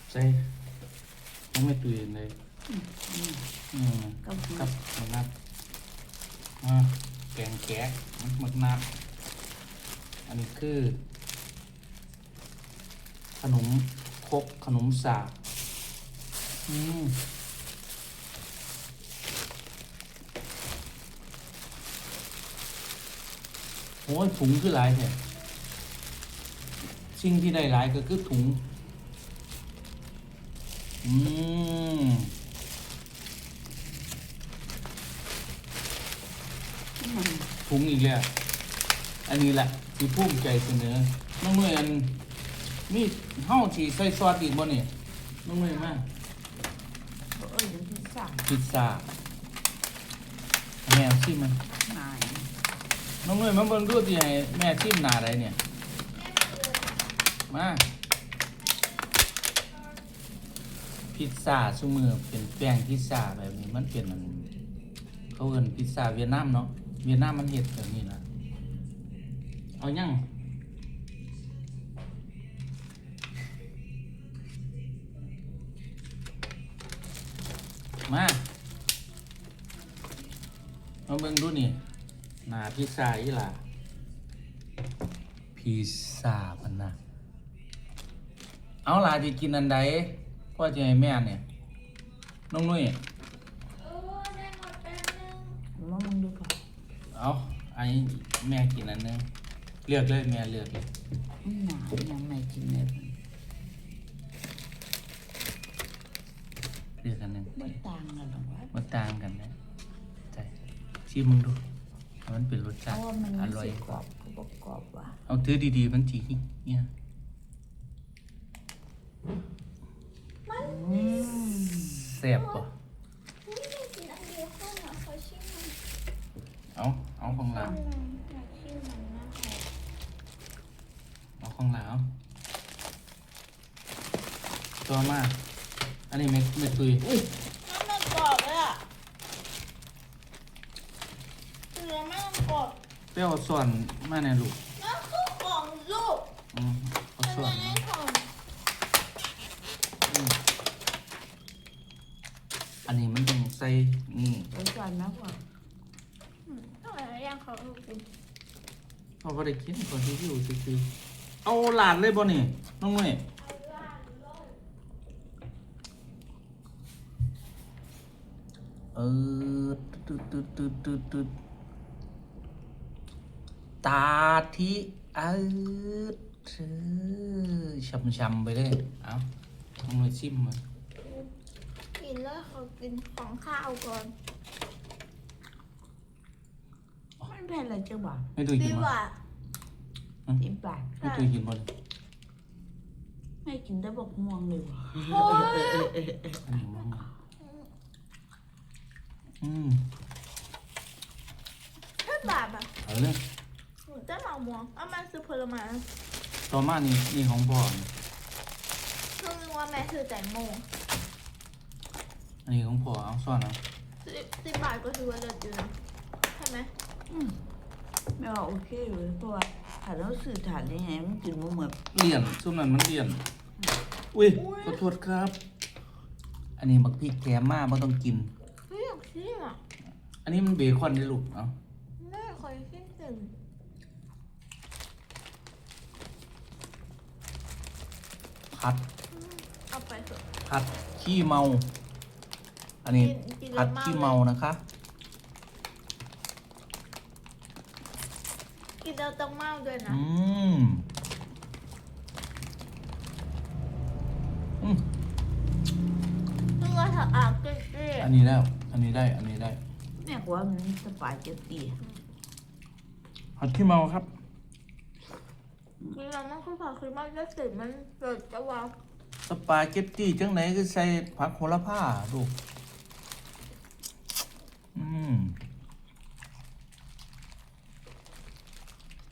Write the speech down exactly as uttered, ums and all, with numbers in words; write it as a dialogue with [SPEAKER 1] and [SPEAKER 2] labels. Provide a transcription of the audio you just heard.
[SPEAKER 1] ใส่ยังไม่ตุยเลยอืม
[SPEAKER 2] ก็คือ
[SPEAKER 1] กับมักนัดอ่าแกงแกะมักนัดอันนี้คือ ขนมครกขนมสาบอืมโอ้ยถุงคือหลายแท้สิ่งที่ได้หลายก็คือถุงอืม
[SPEAKER 2] มัน
[SPEAKER 1] ถุงอีกแล้วอันนี้แหละที่ภูมิใจเสนอน้องเมย์อันมีเฮ้าที่ใส่ซอสอีกบ่เนี่ยน้องเมย์มา
[SPEAKER 2] เอ้ยยังที่สาม
[SPEAKER 1] พิซซ่าแม่ชิมมัน
[SPEAKER 2] นาย
[SPEAKER 1] น้องเมย์มาเบิ่งดูที่ให้แม่ชิมหน้าใดเนี่ยมาพิซซ่าซุมือเป็นแป้งพิซซ่าแบบนี้มันเป็นมันเขาเอิ้นพิซซ่าเวียดนามเนาะเวียดนามมันเฮ็ดแบบนี้นะเอายังมามาเบิ่งดูนี่หน้าพิซซ่าอีหล่ะพิซซ่าพันนะเอาล่ะที่กินอันใดพ่อจะให้แม่เนี่ยน้องนุ้ย
[SPEAKER 2] ว่ามึงดูก่อน
[SPEAKER 1] เอาอันนี้แม่กินอันนึงเลือกเลยแม่เลือกเลย
[SPEAKER 2] หนายังไม่กินเลย
[SPEAKER 1] เลือกอันนึง
[SPEAKER 2] ไม่ต่างกันหรอกวะ
[SPEAKER 1] มันต่างกันนะใช่ชิมมึงดูมันเป็นรส
[SPEAKER 2] เพ
[SPEAKER 1] ชาติ
[SPEAKER 2] ราะว่ามัน
[SPEAKER 1] อ
[SPEAKER 2] ไม่
[SPEAKER 1] ร่อย
[SPEAKER 2] ใช่กรอบก็บอกกรอบว่ะ
[SPEAKER 1] เอาถือดีๆมันจีเนี่ย
[SPEAKER 2] อืม
[SPEAKER 1] แซ่บป่ะ
[SPEAKER 3] ไม่ได้กินอันเดียวข้าวหนาเขาชิมมัน
[SPEAKER 1] เอาเอาของหลัง
[SPEAKER 3] อยากชิมมันมากเลย
[SPEAKER 1] เอาของหลังเอาตัวมาอันนี้ไม่ไม่ตุย
[SPEAKER 2] อุ้ย
[SPEAKER 3] น้ำมันกรอบเลยอ่ะเนื้อไม่ต้องกรอบ
[SPEAKER 1] เปรี้ยวส่วนมาในลูก
[SPEAKER 3] นั่นคือของลูก
[SPEAKER 1] อืมเอา
[SPEAKER 3] มัน
[SPEAKER 1] ส่วน
[SPEAKER 3] ยังไงของ
[SPEAKER 1] อืมอันนี้มันต้องใส่นี่
[SPEAKER 2] รสชาตินะว่า
[SPEAKER 3] อืมทำไมย่างเขาลูกกิน
[SPEAKER 1] เขาก็ได้กินก่อนที่อยู่คือๆเอาหลานเลยบ่นี่น้องเมย์เออตึ๊ดตึ๊ดตึ๊ดตึ๊ดตึ๊ดตาที่เออช้ำๆไปเลยเอาน้องเมย์ชิมมา
[SPEAKER 3] กินแล้วเขากินของข้าวก่อน
[SPEAKER 2] มันเป็นอะไรเจ้าบ่าว
[SPEAKER 1] ไม่ตุยกิ
[SPEAKER 3] ดี
[SPEAKER 1] น
[SPEAKER 3] ก
[SPEAKER 1] บ่
[SPEAKER 3] ว่า
[SPEAKER 2] สิบบาท
[SPEAKER 1] ไม่ตุยกินบ่เลย
[SPEAKER 2] ไม่กินได้บอกม่วงเลยว่ะ
[SPEAKER 3] โอ้ย
[SPEAKER 1] อันนี้มั้งอืม
[SPEAKER 3] ถ้าบาปอ่ะ
[SPEAKER 1] เอาเลย
[SPEAKER 3] หนูจะเหมาหมวงเอามาซื้อผลไม้
[SPEAKER 1] ต่อมานี่นี่ของพ่อ
[SPEAKER 3] เพิ่งนึกว่าแม่ซื้อแตงโม
[SPEAKER 1] อันนี้ของพ่อเอาซ่อนเอา
[SPEAKER 3] สิบสิบบาทก็ถือว่าเลิศอยู่นะใช่ไหม
[SPEAKER 2] อืมไม่ว่าโอเคเลยเพราะว่าถ้าเราสื่อถานได้ไงมันกินบ่เหมือน
[SPEAKER 1] เลี่ยนซุ่มนั้นมันเลี่ยนอุ้ยขอโทษครับ อันนี้บักพริกแกมมาบ่ต้องกิน
[SPEAKER 3] เฮ้ยอยากชิมอ่ะ
[SPEAKER 1] อันนี้มันเบคอนได้ลูกเอา
[SPEAKER 3] แม่คอยชิมสิ
[SPEAKER 1] ผัด
[SPEAKER 3] เอาไปเถอะ
[SPEAKER 1] ผัดขี้เมา อันนี้
[SPEAKER 3] กินกิน
[SPEAKER 1] ผัด
[SPEAKER 3] แล้ว
[SPEAKER 1] ขี้
[SPEAKER 3] ลย
[SPEAKER 1] เมานะคะ
[SPEAKER 3] กินแล้วต้องเมาด้วยนะ
[SPEAKER 1] อืมอืม
[SPEAKER 3] เพื่อถ้าอาบเกลี้ย
[SPEAKER 1] อันนี้แล้ว อันนี้ได้ อันนี้ได้
[SPEAKER 2] แม่กว่ามันสปาเกตตี้
[SPEAKER 1] ผัดขี้เมาครับ
[SPEAKER 3] กินแล้วมันคือผักคือมันจะติดมันเกิดจะวาว
[SPEAKER 1] สปาเกตตี้จังไหนคือใส่ผักโหระพาลูก